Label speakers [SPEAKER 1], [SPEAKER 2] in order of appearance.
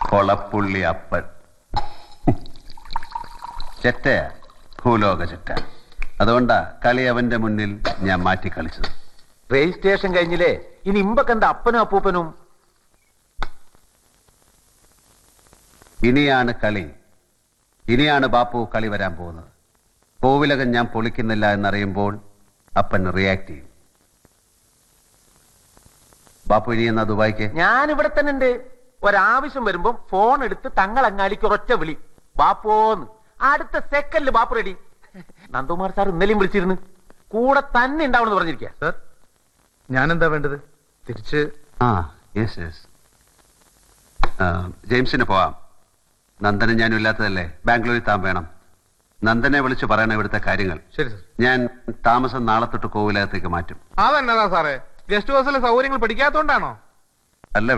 [SPEAKER 1] കൊളപ്പുള്ളി അപ്പൻ. ചെറ്റയാ, ഭൂലോക ചെറ്റ. അതുകൊണ്ടാ കളി അവന്റെ മുന്നിൽ ഞാൻ മാറ്റി കളിച്ചത്.
[SPEAKER 2] രജിസ്ട്രേഷൻ കഴിഞ്ഞില്ലേ? ഇനി ഇമ്പക്കെന്താ അപ്പനും അപ്പൂപ്പനും?
[SPEAKER 1] ഇനിയാണ് കളി. ഇനിയാണ് ബാപ്പു കളി വരാൻ പോകുന്നത്. കോവിലകം ഞാൻ പൊളിക്കുന്നില്ല എന്നറിയുമ്പോൾ അപ്പൻ റിയാക്ട് ചെയ്യും. ബാപ്പു ഇനി എന്നാ ദുബായിക്ക്?
[SPEAKER 2] ഞാൻ ഇവിടെ തന്നെ ഉണ്ട്. ഒരാവശ്യം വരുമ്പോ ഫോൺ എടുത്ത് തങ്ങളങ്ങാടിക്ക് ഒരൊറ്റ വിളി, ബാപ്പോന്ന്. അടുത്ത സെക്കൻഡിൽ ബാപ്പു റെഡി. നന്ദകുമാർ സാർ ഇന്നലെയും വിളിച്ചിരുന്നു, കൂടെ തന്നെ ഉണ്ടാവണമെന്ന് പറഞ്ഞിരിക്കുക.
[SPEAKER 3] സാർ, ഞാൻ എന്താ വേണ്ടത്? തിരിച്ച്
[SPEAKER 1] യെസ് ജെയിംസിന് പോവാം. നന്ദനും ഞാനും ഇല്ലാത്തതല്ലേ, ബാംഗ്ലൂരിൽ താൻ വേണം. നന്ദനെ വിളിച്ച് പറയണം ഇവിടുത്തെ കാര്യങ്ങൾ.
[SPEAKER 3] ശരി സാർ.
[SPEAKER 1] ഞാൻ താമസം നാളെ തൊട്ട് കോവിലകത്തേക്ക് മാറ്റും.
[SPEAKER 4] അതെന്നതാ സാറേ, ഗസ്റ്റ് ഹൗസിലെ സൗകര്യങ്ങൾ പഠിക്കാത്തോണ്ടാണോ?
[SPEAKER 1] അല്ല